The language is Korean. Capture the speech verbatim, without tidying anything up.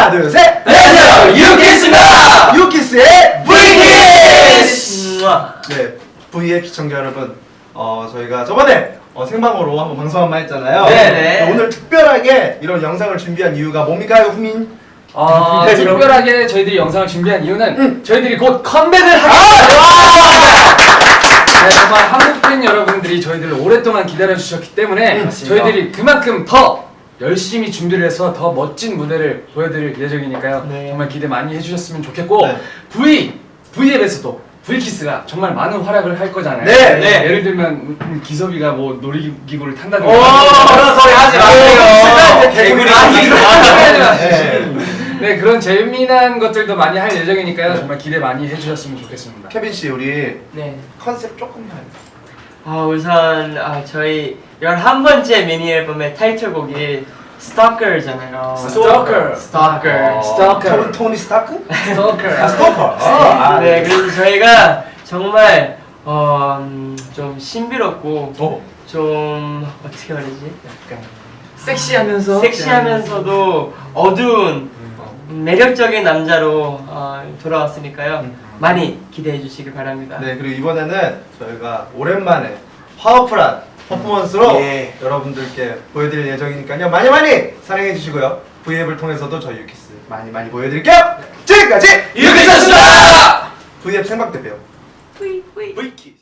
하나 둘 셋. 안녕하세요, 유키스입니다. 유키스의 브이키스. 네, V앱 시청자 여러분, 어 저희가 저번에 어, 생방으로 한번 방송 한번 했잖아요. 네네. 오늘 특별하게 이런 영상을 준비한 이유가 뭡니까, 후민? 어, 네, 특별하게 저희들이 영상을 준비한 이유는 응. 저희들이 곧 컴백을 하게 아! 네, 정말 한국 팬 여러분들이 저희들을 오랫동안 기다려 주셨기 때문에 응, 저희들이 그만큼 더 열심히 준비를 해서 더 멋진 무대를 보여드릴 예정이니까요. 네. 정말 기대 많이 해주셨으면 좋겠고 네. V V앱에서도 V키스가 정말 많은 활약을 할 거잖아요. 네, 네. 예를 들면 음, 기섭이가 뭐 놀이기구를 탄다든가 그런 소리 하지 마세요. 개구리 아니, 그런 소리 하지 마세요. 네. 네, 그런 재미난 것들도 많이 할 예정이니까요. 정말 기대 많이 해주셨으면 좋겠습니다. 케빈 씨, 우리 네. 컨셉 조금만. 아 우선 아 저희 열한 번째 미니 앨범의 타이틀곡이 Stalker잖아요. Stalker. Stalker. Stalker. 토니, 토니 스타크? Stalker. 아, 스토커. 아, 네, 그래서 저희가 정말 어, 음, 좀 신비롭고 오. 좀 어떻게 말하지? 약간 섹시하면서 섹시하면서도 어두운 매력적인 남자로 어, 돌아왔으니까요. 많이 기대해 주시길 바랍니다. 네, 그리고 이번에는 저희가 오랜만에 파워풀한 퍼포먼스로 예. 여러분들께 보여드릴 예정이니까요. 많이 많이 사랑해 주시고요. V앱을 통해서도 저희 유키스 많이 많이 보여드릴게요. 지금까지 유키스였습니다. V앱 생방 때 봬요. 뿌이, 뿌이. V키스.